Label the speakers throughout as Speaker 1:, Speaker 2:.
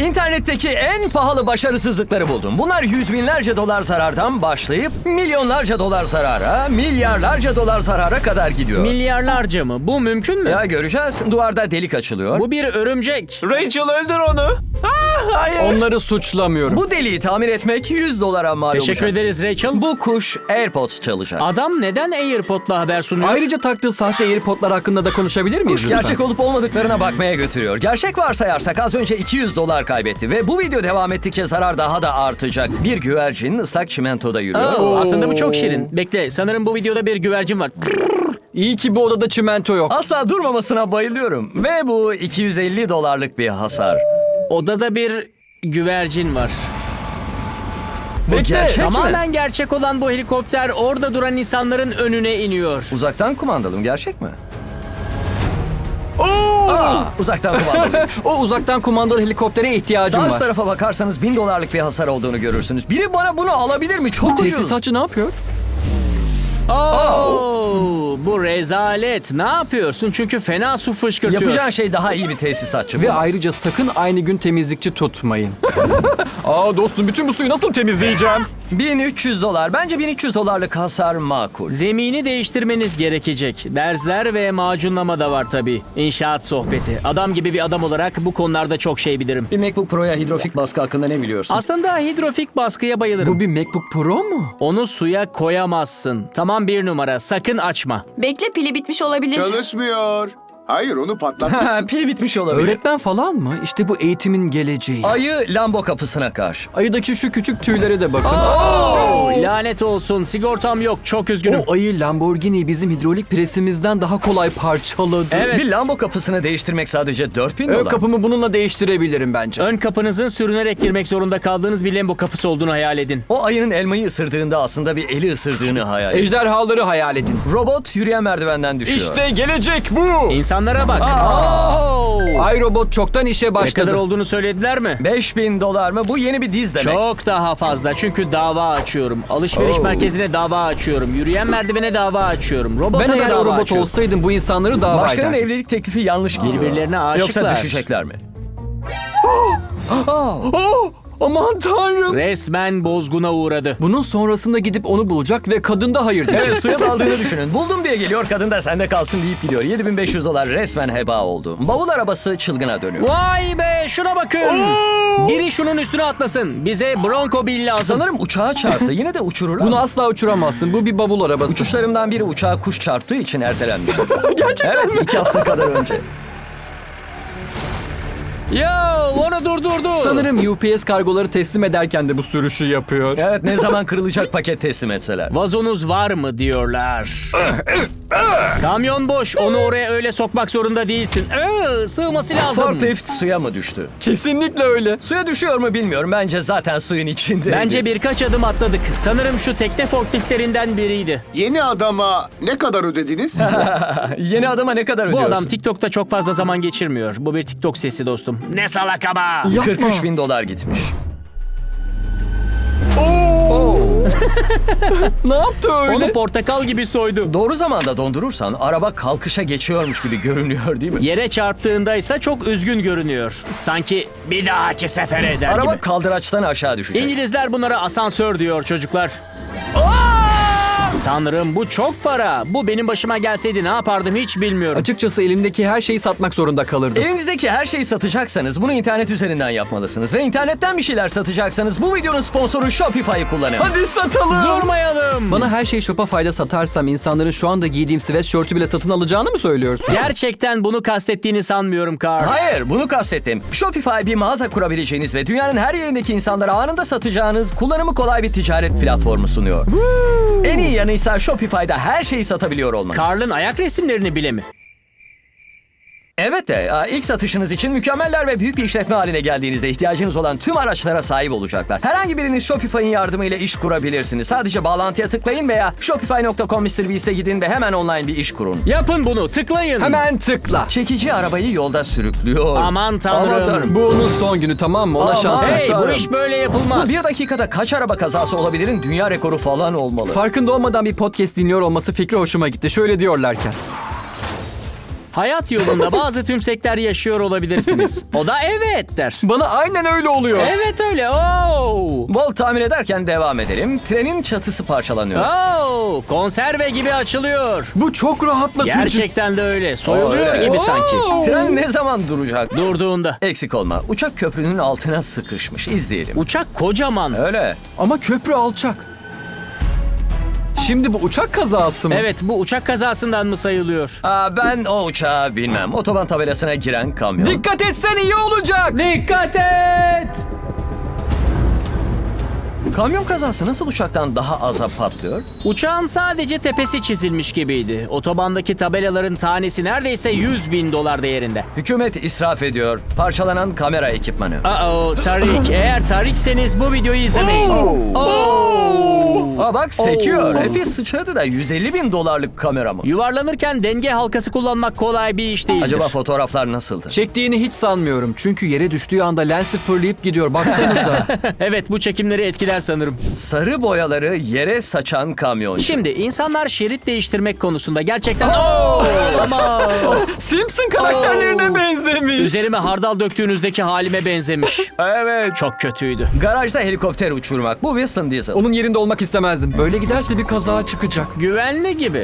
Speaker 1: İnternetteki en pahalı başarısızlıkları buldum. Bunlar yüz binlerce dolar zarardan başlayıp milyonlarca dolar zarara, milyarlarca dolar zarara kadar gidiyor.
Speaker 2: Milyarlarca mı? Bu mümkün mü?
Speaker 1: Ya göreceğiz. Duvarda delik açılıyor.
Speaker 2: Bu bir örümcek.
Speaker 3: Rachel öldür onu. Hayır.
Speaker 4: Onları suçlamıyorum.
Speaker 1: Bu deliği tamir etmek 100 dolara mal olacak.
Speaker 2: Teşekkür ederiz Rachel.
Speaker 1: Bu kuş AirPods çalacak.
Speaker 2: Adam neden AirPod'la haber sunuyor?
Speaker 4: Ayrıca taktığı sahte AirPod'lar hakkında da konuşabilir miyiz
Speaker 1: Kuş
Speaker 4: lütfen?
Speaker 1: gerçek olup olmadıklarına bakmaya götürüyor. Gerçek varsayarsak az önce 200 dolar kaybetti ve bu video devam ettikçe zarar daha da artacak. Bir güvercin ıslak çimentoda yürüyor.
Speaker 2: Aslında bu çok şirin. Bekle, sanırım bu videoda bir güvercin var.
Speaker 4: İyi ki bu odada çimento yok.
Speaker 1: Asla durmamasına bayılıyorum. Ve bu 250 dolarlık bir hasar.
Speaker 2: Odada bir güvercin var.
Speaker 1: Bu
Speaker 4: Bekle,
Speaker 1: gerçek mi?
Speaker 2: Tamamen gerçek olan bu helikopter orada duran insanların önüne iniyor.
Speaker 1: Uzaktan kumandalı mı? Gerçek mi?
Speaker 4: Oo!
Speaker 1: Uzaktan kumandalı.
Speaker 4: O uzaktan kumandalı helikoptere ihtiyacım
Speaker 1: Sağ üst
Speaker 4: var.
Speaker 1: tarafa bakarsanız 1000 dolarlık bir hasar olduğunu görürsünüz. Biri bana bunu alabilir mi? Çok ucuz.
Speaker 4: Tesisatçı ne yapıyor?
Speaker 2: Bu rezalet. Ne yapıyorsun? Çünkü fena su fışkırtıyor.
Speaker 1: Yapacağın şey daha iyi bir tesisatçı.
Speaker 4: Ve ayrıca sakın aynı gün temizlikçi tutmayın. Aa dostum, bütün bu suyu nasıl temizleyeceğim?
Speaker 1: 1300 dolar. Bence 1300 dolarlık hasar makul.
Speaker 2: Zemini değiştirmeniz gerekecek. Dersler ve macunlama da var tabii. İnşaat sohbeti. Adam gibi bir adam olarak bu konularda çok şey bilirim.
Speaker 1: Bir MacBook Pro'ya hidrofik baskı hakkında ne biliyorsun?
Speaker 2: Aslında hidrofik baskıya bayılırım.
Speaker 4: Bu bir MacBook Pro mu?
Speaker 2: Onu suya koyamazsın. Tamam, bir numara. Sakın açma.
Speaker 5: Bekle, pili bitmiş olabilir.
Speaker 6: Çalışmıyor. Hayır, onu patlatmışsın.
Speaker 1: Pil bitmiş olabilir.
Speaker 4: Öğretmen falan mı? İşte bu eğitimin geleceği.
Speaker 1: Ayı Lambo kapısına karşı.
Speaker 4: Ayıdaki şu küçük tüylere de bakın.
Speaker 2: Lanet olsun. Sigortam yok. Çok üzgünüm.
Speaker 4: O ayı Lamborghini bizim hidrolik presimizden daha kolay parçaladı.
Speaker 2: Evet.
Speaker 1: Bir Lambo kapısını değiştirmek sadece 4000
Speaker 4: Ön
Speaker 1: dolar.
Speaker 4: kapımı bununla değiştirebilirim bence.
Speaker 2: Ön kapınızın sürünerek girmek zorunda kaldığınız bir Lambo kapısı olduğunu hayal edin.
Speaker 1: O ayının elmayı ısırdığında aslında bir eli ısırdığını hayal et.
Speaker 4: Ejderhaları hayal edin.
Speaker 1: Robot yürüyen merdivenden düşüyor.
Speaker 4: İşte gelecek bu.
Speaker 2: İnsanlara bak. Oo!
Speaker 4: iRobot çoktan işe
Speaker 2: Ne kadar
Speaker 4: başladı.
Speaker 2: olduğunu söylediler mi?
Speaker 1: 5000 dolar mı? Bu yeni bir diz demek.
Speaker 2: Çok daha fazla, çünkü dava açıyorum. Alışveriş merkezine dava açıyorum. Yürüyen merdivene dava açıyorum. Robota
Speaker 4: Ben
Speaker 2: da
Speaker 4: eğer
Speaker 2: dava
Speaker 4: o robot
Speaker 2: açıyorum.
Speaker 4: olsaydım bu insanları dava
Speaker 1: Başkanın
Speaker 4: ederdim.
Speaker 1: evlilik teklifi yanlış geliyor.
Speaker 2: Birbirlerine aşıklar.
Speaker 1: Yoksa düşecekler mi?
Speaker 4: Oh, aman tanrım.
Speaker 2: Resmen bozguna uğradı.
Speaker 4: Bunun sonrasında gidip onu bulacak ve kadın da hayır diyecek.
Speaker 1: Evet, suya daldığını düşünün. Buldum diye geliyor, kadın da sende kalsın deyip gidiyor. 7500 dolar resmen heba oldu. Bavul arabası çılgına dönüyor.
Speaker 2: Vay be, şuna bakın. Biri şunun üstüne atlasın. Bize Bronco Bill lazım.
Speaker 1: Sanırım uçağa çarptı. Yine de uçururlar.
Speaker 4: Bunu asla uçuramazsın. Bu bir bavul arabası.
Speaker 1: Uçuşlarımdan biri uçağa kuş çarptığı için ertelenmiş. Gerçekten evet, 2 hafta kadar önce.
Speaker 2: Yo, onu durdurdu.
Speaker 4: Sanırım UPS kargoları teslim ederken de bu sürüşü yapıyor.
Speaker 1: Evet, ne zaman kırılacak paket teslim etseler.
Speaker 2: Vazonuz var mı diyorlar. Kamyon boş. Onu oraya öyle sokmak zorunda değilsin. Sığması lazım.
Speaker 1: Forklift suya mı düştü?
Speaker 4: Kesinlikle öyle.
Speaker 1: Suya düşüyor mu bilmiyorum. Bence zaten suyun içinde.
Speaker 2: Bence birkaç adım atladık. Sanırım şu tekne forkliftlerinden biriydi.
Speaker 6: Yeni adama ne kadar ödediniz?
Speaker 1: Yeni adama ne kadar
Speaker 2: Bu
Speaker 1: ödüyorsun?
Speaker 2: adam TikTok'ta çok fazla zaman geçirmiyor. Bu bir TikTok sesi dostum. Ne salak ama.
Speaker 1: 43 bin dolar gitmiş.
Speaker 4: Ne yaptı öyle?
Speaker 2: Onu portakal gibi soydu.
Speaker 1: Doğru zamanda dondurursan araba kalkışa geçiyormuş gibi görünüyor değil mi?
Speaker 2: Yere çarptığında ise çok üzgün görünüyor. Sanki bir dahaki sefere eder
Speaker 1: Araba
Speaker 2: gibi.
Speaker 1: kaldıraçtan aşağı düşecek.
Speaker 2: İngilizler bunlara asansör diyor çocuklar. Tanrım, bu çok para. Bu benim başıma gelseydi ne yapardım hiç bilmiyorum.
Speaker 4: Açıkçası elimdeki her şeyi satmak zorunda kalırdım.
Speaker 1: Elinizdeki her şeyi satacaksanız bunu internet üzerinden yapmalısınız. Ve internetten bir şeyler satacaksanız bu videonun sponsoru Shopify'ı kullanın.
Speaker 4: Hadi satalım.
Speaker 2: Durmayalım.
Speaker 4: Bana her şeyi Shopify'da satarsam insanların şu anda giydiğim sweatshirt'ü bile satın alacağını mı söylüyorsun?
Speaker 2: Gerçekten bunu kastettiğini sanmıyorum Carl.
Speaker 1: Hayır, bunu kastettim. Shopify bir mağaza kurabileceğiniz ve dünyanın her yerindeki insanlara anında satacağınız kullanımı kolay bir ticaret platformu sunuyor. En iyi yanıysa Shopify'da her şeyi satabiliyor olmanız.
Speaker 2: Carl'ın ayak resimlerini bile mi?
Speaker 1: Evet de ilk satışınız için mükemmeller ve büyük bir işletme haline geldiğinizde ihtiyacınız olan tüm araçlara sahip olacaklar. Herhangi biriniz Shopify'ın yardımıyla iş kurabilirsiniz. Sadece bağlantıya tıklayın veya shopify.com/MrBeast'e gidin ve hemen online bir iş kurun.
Speaker 2: Yapın bunu, tıklayın.
Speaker 4: Hemen tıkla.
Speaker 1: Çekici arabayı yolda sürüklüyor.
Speaker 2: Aman tanrım.
Speaker 4: Bu onun son günü, tamam mı? Ona
Speaker 1: Aman.
Speaker 4: şans ver.
Speaker 2: Hey, bu
Speaker 1: Tanrım.
Speaker 2: iş böyle yapılmaz.
Speaker 1: Bu bir dakikada kaç araba kazası olabilirin dünya rekoru falan olmalı.
Speaker 4: Farkında olmadan bir podcast dinliyor olması fikri hoşuma gitti. Şöyle diyorlarken.
Speaker 2: Hayat yolunda bazı tümsekler yaşıyor olabilirsiniz. O da evet der.
Speaker 4: Bana aynen öyle oluyor.
Speaker 2: Evet öyle. Oo.
Speaker 1: Bol tamir ederken devam edelim. Trenin çatısı parçalanıyor.
Speaker 2: Oo, konserve gibi açılıyor.
Speaker 4: Bu çok rahatlatıcı.
Speaker 2: Gerçekten de öyle. Soyuluyor
Speaker 1: öyle.
Speaker 2: gibi sanki.
Speaker 1: Tren ne zaman duracak?
Speaker 2: Durduğunda.
Speaker 1: Eksik olma. Uçak köprünün altına sıkışmış. İzleyelim.
Speaker 2: Uçak kocaman.
Speaker 1: Öyle.
Speaker 4: Ama köprü alçak. Şimdi bu uçak kazası mı?
Speaker 2: Evet, bu uçak kazasından mı sayılıyor?
Speaker 1: Ben o uçağı bilmem. Otoban tabelasına giren kamyon.
Speaker 4: Dikkat etsen iyi olacak.
Speaker 2: Dikkat et!
Speaker 1: Kamyon kazası nasıl uçaktan daha aza patlıyor?
Speaker 2: Uçağın sadece tepesi çizilmiş gibiydi. Otobandaki tabelaların tanesi neredeyse 100.000 dolar değerinde.
Speaker 1: Hükümet israf ediyor. Parçalanan kamera ekipmanı.
Speaker 2: Tarik. Eğer Tarikseniz bu videoyu izlemeyin.
Speaker 1: Bak sekiyor. Epey sıçradı da 150 bin dolarlık kamera mı?
Speaker 2: Yuvarlanırken denge halkası kullanmak kolay bir iş değildir.
Speaker 1: Acaba fotoğraflar nasıldı?
Speaker 4: Çektiğini hiç sanmıyorum. Çünkü yere düştüğü anda lensi fırlayıp gidiyor. Baksanıza.
Speaker 2: Evet, bu çekimleri etkiler sanırım.
Speaker 1: Sarı boyaları yere saçan kamyoncu.
Speaker 2: Şimdi insanlar şerit değiştirmek konusunda gerçekten olamaz.
Speaker 4: Simpson karakterlerine benzemiş.
Speaker 2: Üzerime hardal döktüğünüzdeki halime benzemiş.
Speaker 1: Evet.
Speaker 2: Çok kötüydü.
Speaker 1: Garajda helikopter uçurmak. Bu Winston Diesel.
Speaker 4: Onun yerinde olmak istemezdim. Böyle giderse bir kaza çıkacak.
Speaker 2: Güvenli gibi.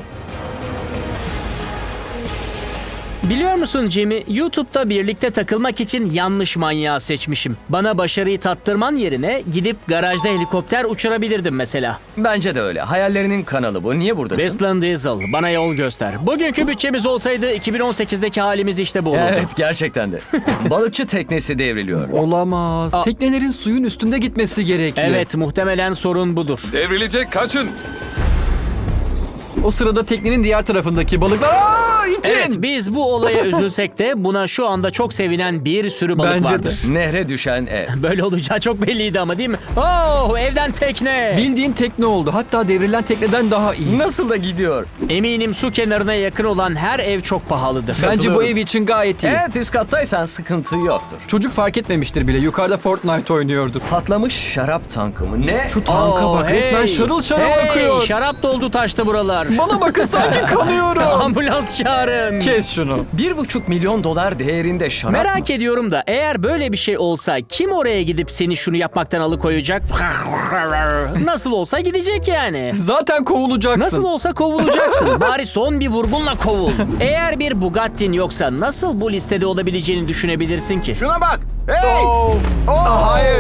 Speaker 2: Biliyor musun Jimmy, YouTube'da birlikte takılmak için yanlış manyağı seçmişim. Bana başarıyı tattırman yerine gidip garajda helikopter uçurabilirdim mesela.
Speaker 1: Bence de öyle. Hayallerinin kanalı bu. Niye buradasın?
Speaker 2: Westland Diesel, bana yol göster. Bugünkü bütçemiz olsaydı 2018'deki halimiz işte bu olurdu.
Speaker 1: Evet, gerçekten de. Balıkçı teknesi devriliyor.
Speaker 4: Olamaz. Teknelerin suyun üstünde gitmesi gerekli.
Speaker 2: Evet, muhtemelen sorun budur.
Speaker 5: Devrilecek, kaçın.
Speaker 4: O sırada teknenin diğer tarafındaki balıklar... İtin!
Speaker 2: Evet, biz bu olaya üzülsek de buna şu anda çok sevinen bir sürü balık
Speaker 4: Bence de.
Speaker 2: vardır.
Speaker 1: Nehre düşen ev.
Speaker 2: Böyle olacağı çok belliydi ama değil mi? Oh, evden tekne.
Speaker 4: Bildiğin tekne oldu. Hatta devrilen tekneden daha iyi.
Speaker 1: Nasıl da gidiyor?
Speaker 2: Eminim su kenarına yakın olan her ev çok pahalıdır.
Speaker 4: Bence bu ev için gayet iyi.
Speaker 1: Evet, üst kattaysan sıkıntı yoktur.
Speaker 4: Çocuk fark etmemiştir bile. Yukarıda Fortnite oynuyordu.
Speaker 1: Patlamış şarap tankı mı? Ne?
Speaker 4: Şu tanka bak. Resmen şarıl şarıl akıyor.
Speaker 2: Şarap doldu taştı buralar.
Speaker 4: Bana bakın sanki kanıyorum.
Speaker 2: Ambulans çağırın.
Speaker 4: Kes şunu.
Speaker 1: 1,5 milyon dolar değerinde şarap mı?
Speaker 2: Merak ediyorum da eğer böyle bir şey olsa kim oraya gidip seni şunu yapmaktan alıkoyacak? Nasıl olsa gidecek yani.
Speaker 4: Zaten kovulacaksın.
Speaker 2: Nasıl olsa kovulacaksın. Bari son bir vurgunla kovul. Eğer bir Bugatti'n yoksa nasıl bu listede olabileceğini düşünebilirsin ki?
Speaker 6: Şuna bak. Hey! Hayır.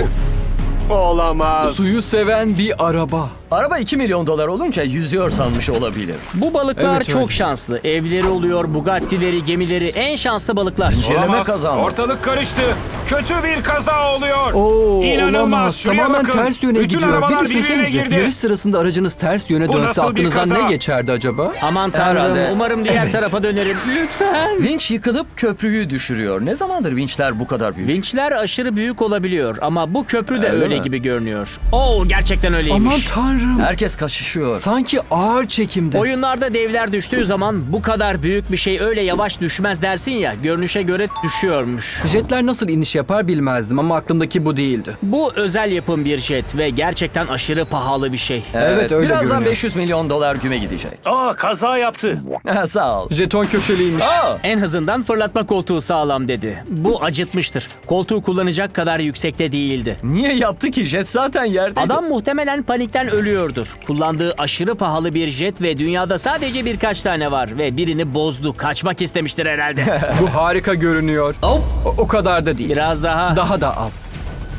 Speaker 6: Olamaz.
Speaker 4: Suyu seven bir araba.
Speaker 1: Araba 2 milyon dolar olunca yüzüyor sanmış olabilir.
Speaker 2: Bu balıklar
Speaker 4: Evet,
Speaker 2: çok
Speaker 4: öyle.
Speaker 2: şanslı. Evleri oluyor, Bugatti'leri, gemileri en şanslı balıklar.
Speaker 1: Zincirleme
Speaker 3: Olamaz.
Speaker 1: kazandı.
Speaker 3: Ortalık karıştı. Kötü bir kaza oluyor.
Speaker 4: Oo,
Speaker 3: İnanılmaz.
Speaker 4: olamaz.
Speaker 3: Şuraya
Speaker 4: Tamamen
Speaker 3: bakın.
Speaker 4: ters yöne
Speaker 3: Bütün
Speaker 4: gidiyor.
Speaker 3: arabalar
Speaker 4: Bir düşünsenize.
Speaker 3: birbirine girdi.
Speaker 4: Yarış sırasında aracınız ters yöne
Speaker 3: Bu
Speaker 4: dönse
Speaker 3: nasıl bir
Speaker 4: aklınızdan
Speaker 3: kaza?
Speaker 4: ne geçerdi acaba?
Speaker 2: Aman tanrım,
Speaker 1: Herhalde.
Speaker 2: umarım diğer tarafa dönerim. Lütfen.
Speaker 1: Vinç yıkılıp köprüyü düşürüyor. Ne zamandır vinçler bu kadar büyük?
Speaker 2: Vinçler aşırı büyük olabiliyor ama bu köprü de
Speaker 1: Öyle
Speaker 2: öyle
Speaker 1: mi?
Speaker 2: gibi görünüyor. Oo, gerçekten öyleymiş.
Speaker 4: Aman tanrım.
Speaker 1: Herkes kaçışıyor.
Speaker 4: Sanki ağır çekimde.
Speaker 2: Oyunlarda devler düştüğü zaman bu kadar büyük bir şey öyle yavaş düşmez dersin ya, görünüşe göre düşüyormuş.
Speaker 4: Jetler nasıl iniş yapar bilmezdim ama aklımdaki bu değildi.
Speaker 2: Bu özel yapım bir jet ve gerçekten aşırı pahalı bir şey.
Speaker 4: Evet, öyle
Speaker 1: Birazdan
Speaker 4: görünüyor.
Speaker 1: 500 milyon dolar güme gidecek.
Speaker 3: Kaza yaptı.
Speaker 1: Sağ ol.
Speaker 4: Jeton köşeliymiş.
Speaker 2: En azından fırlatma koltuğu sağlam dedi. Bu acıtmıştır. Koltuğu kullanacak kadar yüksekte değildi.
Speaker 1: Niye yaptı ki? Jet zaten yerdeydi.
Speaker 2: Adam muhtemelen panikten ölüyordur. Kullandığı aşırı pahalı bir jet ve dünyada sadece birkaç tane var ve birini bozdu. Kaçmak istemiştir herhalde.
Speaker 4: Bu harika görünüyor.
Speaker 2: Hop,
Speaker 4: O kadar da değil.
Speaker 2: biraz daha.
Speaker 4: Daha da az.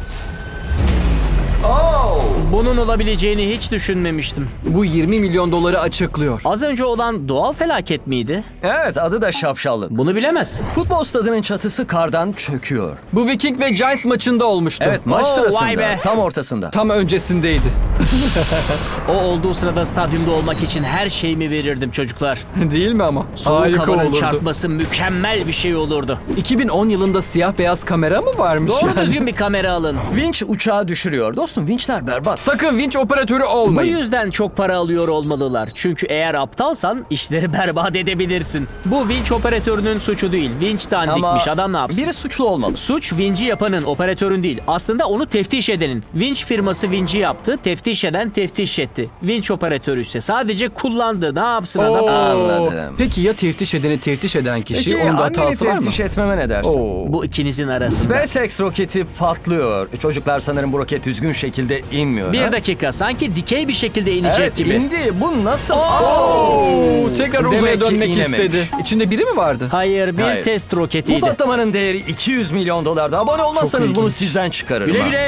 Speaker 2: Bunun olabileceğini hiç düşünmemiştim.
Speaker 4: Bu 20 milyon doları açıklıyor.
Speaker 2: Az önce olan doğal felaket miydi?
Speaker 1: Evet, adı da şapşallık.
Speaker 2: Bunu bilemezsin.
Speaker 1: Futbol stadının çatısı kardan çöküyor.
Speaker 4: Bu Viking ve Giants maçında olmuştu.
Speaker 1: Evet, maç
Speaker 2: Oo,
Speaker 1: sırasında
Speaker 2: vay be.
Speaker 1: tam ortasında.
Speaker 4: Tam öncesindeydi.
Speaker 2: O olduğu sırada stadyumda olmak için her şeyimi verirdim çocuklar.
Speaker 4: Değil mi ama?
Speaker 2: Soğuk
Speaker 4: Harika
Speaker 2: havanın
Speaker 4: olurdu.
Speaker 2: çarpması mükemmel bir şey olurdu.
Speaker 4: 2010 yılında siyah beyaz kamera mı varmış
Speaker 2: Doğru
Speaker 4: yani?
Speaker 2: düzgün bir kamera alın.
Speaker 1: Vinç uçağı düşürüyor. Dostum, vinçler berbat.
Speaker 4: Sakın vinç operatörü
Speaker 2: Bu
Speaker 4: olmayın.
Speaker 2: yüzden çok para alıyor olmalılar. Çünkü eğer aptalsan işleri berbat edebilirsin. Bu vinç operatörünün suçu değil. Vinç dandikmiş. Adam ne yapsın?
Speaker 1: Biri suçlu olmalı.
Speaker 2: Suç vinci yapanın, operatörün değil. Aslında onu teftiş edenin. Vinç firması vinci yaptı, teftiş eden teftiş etti. Vinç operatörü ise sadece kullandı. Ne yapsın adam?
Speaker 4: Oo.
Speaker 1: Anladım.
Speaker 4: Peki ya teftiş edeni teftiş eden kişi?
Speaker 1: Peki
Speaker 4: Onun da
Speaker 1: anneni
Speaker 4: hatası var mı?
Speaker 1: teftiş etmeme ne dersin?
Speaker 4: Oo.
Speaker 2: Bu ikinizin arasında.
Speaker 1: SpaceX roketi patlıyor. Çocuklar sanırım bu roket düzgün şekilde inmiyor.
Speaker 2: Bir
Speaker 1: ha?
Speaker 2: dakika, sanki dikey bir şekilde inecek
Speaker 1: Evet
Speaker 2: gibi.
Speaker 1: indi. Bu nasıl?
Speaker 4: Oo, tekrar uzaya
Speaker 1: Demek ki
Speaker 4: dönmek
Speaker 1: inememiş.
Speaker 4: istedi. İçinde biri mi vardı?
Speaker 2: Hayır, bir
Speaker 1: Hayır.
Speaker 2: test
Speaker 1: Bu
Speaker 2: roketiydi.
Speaker 1: patlamanın değeri $200 milyon. Abone olmazsanız
Speaker 2: Çok
Speaker 1: bunu
Speaker 2: ilginç.
Speaker 1: sizden çıkarırım.
Speaker 2: Güle
Speaker 1: ha.
Speaker 2: güle.